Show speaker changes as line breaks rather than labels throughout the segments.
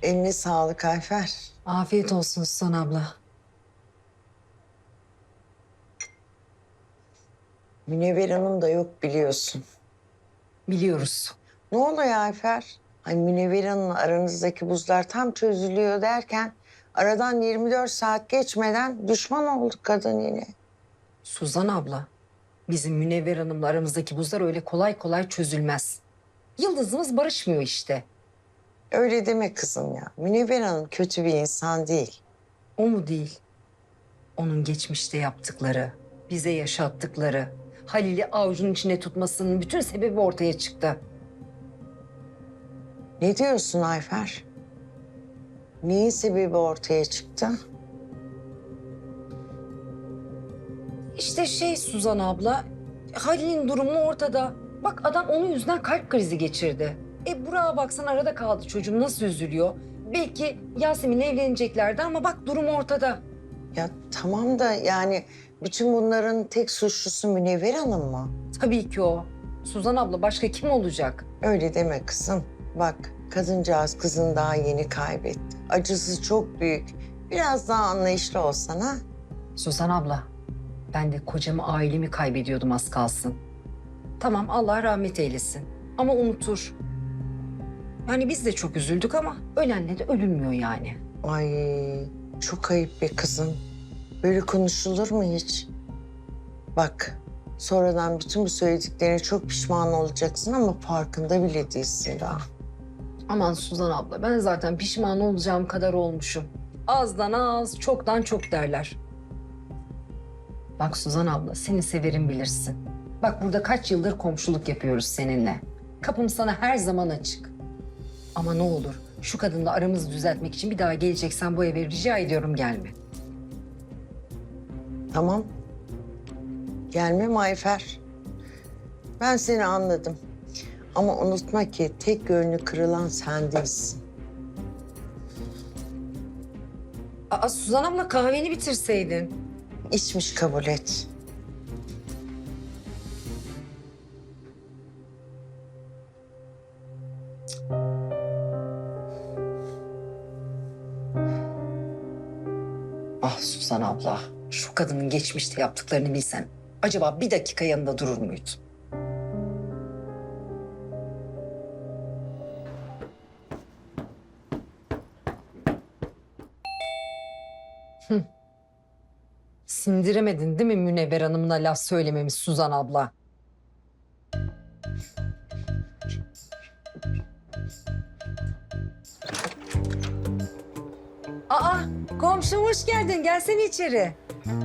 Eline sağlık Ayfer.
Afiyet olsun Suzan abla.
Münevver Hanım da yok biliyorsun.
Biliyoruz.
Ne oluyor Ayfer? Ay Münevver Hanım'la aranızdaki buzlar tam çözülüyor derken aradan 24 saat geçmeden düşman olduk kadın yine.
Suzan abla, bizim Münevver Hanım'la aramızdaki buzlar öyle kolay kolay çözülmez. Yıldızımız barışmıyor işte.
Öyle deme kızım ya. Münevver Hanım kötü bir insan değil.
O mu değil? Onun geçmişte yaptıkları, bize yaşattıkları, Halil'i avucunun içine tutmasının bütün sebebi ortaya çıktı.
Ne diyorsun Ayfer? Neyin sebebi ortaya çıktı?
İşte Suzan abla, Halil'in durumu ortada. Bak adam onun yüzünden kalp krizi geçirdi. Burak'a baksan arada kaldı çocuğum nasıl üzülüyor. Belki Yasemin'le evleneceklerdi ama bak durum ortada.
Ya tamam da yani bütün bunların tek suçlusu Münevver Hanım mı?
Tabii ki o. Suzan abla başka kim olacak?
Öyle deme kızım. Bak kadıncağız kızını daha yeni kaybetti. Acısı çok büyük. Biraz daha anlayışlı olsan ha.
Suzan abla, ben de kocamı, ailemi kaybediyordum az kalsın. Tamam Allah rahmet eylesin ama unutur. Yani biz de çok üzüldük ama ölenle de ölünmüyor yani.
Ay çok ayıp be kızım. Böyle konuşulur mu hiç? Bak sonradan bütün bu söylediklerine çok pişman olacaksın ama farkında bile değilsin daha.
Aman Suzan abla ben zaten pişman olacağım kadar olmuşum. Azdan az, çoktan çok derler. Bak Suzan abla seni severim bilirsin. Bak burada kaç yıldır komşuluk yapıyoruz seninle. Kapım sana her zaman açık. Ama ne olur şu kadınla aramızı düzeltmek için bir daha geleceksen bu eve rica ediyorum gelme.
Tamam. Gelmem Ayfer. Ben seni anladım. Ama unutma ki tek gönlü kırılan sen değilsin.
Aa Suzan abla kahveni bitirseydin.
İçmiş kabul et.
Ah Suzan abla, şu kadının geçmişte yaptıklarını bilsen acaba bir dakika yanında durur muydun? Sindiremedin değil mi Münevver Hanım'la laf söylememiş Suzan abla? Aa, komşum hoş geldin. Gelsene içeri.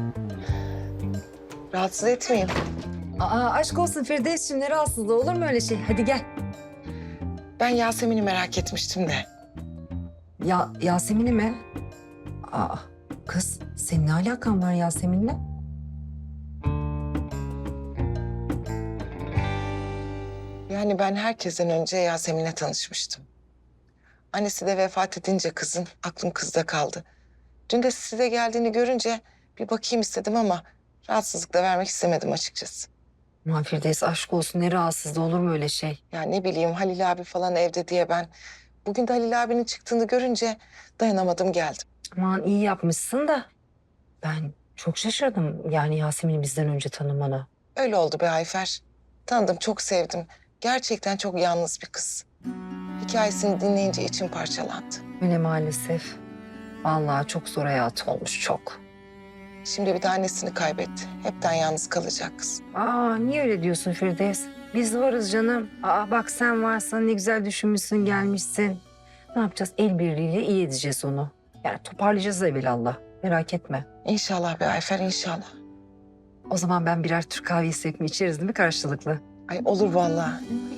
Rahatsız etmeyeyim.
Aa, aşk olsun Firdevs'cim ne rahatsızlığı olur mu öyle şey? Hadi gel.
Ben Yasemin'i merak etmiştim de.
Ya Yasemin'i mi? Aa, kız senin ne alakan var Yasemin'le?
Yani ben herkesten önce Yasemin'le tanışmıştım. Annesi de vefat edince kızın aklım kızda kaldı. Dün de size geldiğini görünce bir bakayım istedim ama rahatsızlık da vermek istemedim açıkçası.
Aman Firdevs aşk olsun ne rahatsızlığı olur mu öyle şey?
Ya ne bileyim Halil abi falan evde diye ben. Bugün de Halil abinin çıktığını görünce dayanamadım geldim.
Aman iyi yapmışsın da ben çok şaşırdım yani Yasemin'i bizden önce tanımana.
Öyle oldu be Ayfer. Tanıdım, çok sevdim. Gerçekten çok yalnız bir kız. Hikayesini dinleyince içim parçalandı.
Öyle maalesef. Vallahi çok zor hayatı olmuş çok.
Şimdi bir de annesini kaybetti. Hepten yalnız kalacak kız.
Aa niye öyle diyorsun Firdevs? Biz varız canım. Aa bak sen varsan ne güzel düşünmüşsün gelmişsin. Ne yapacağız? El birliğiyle iyi edeceğiz onu. Yani toparlayacağız evvelallah. Merak etme.
İnşallah be Ayfer, inşallah.
O zaman ben birer Türk kahvesi mi içeriz değil mi karşılıklı?
Ay olur vallahi.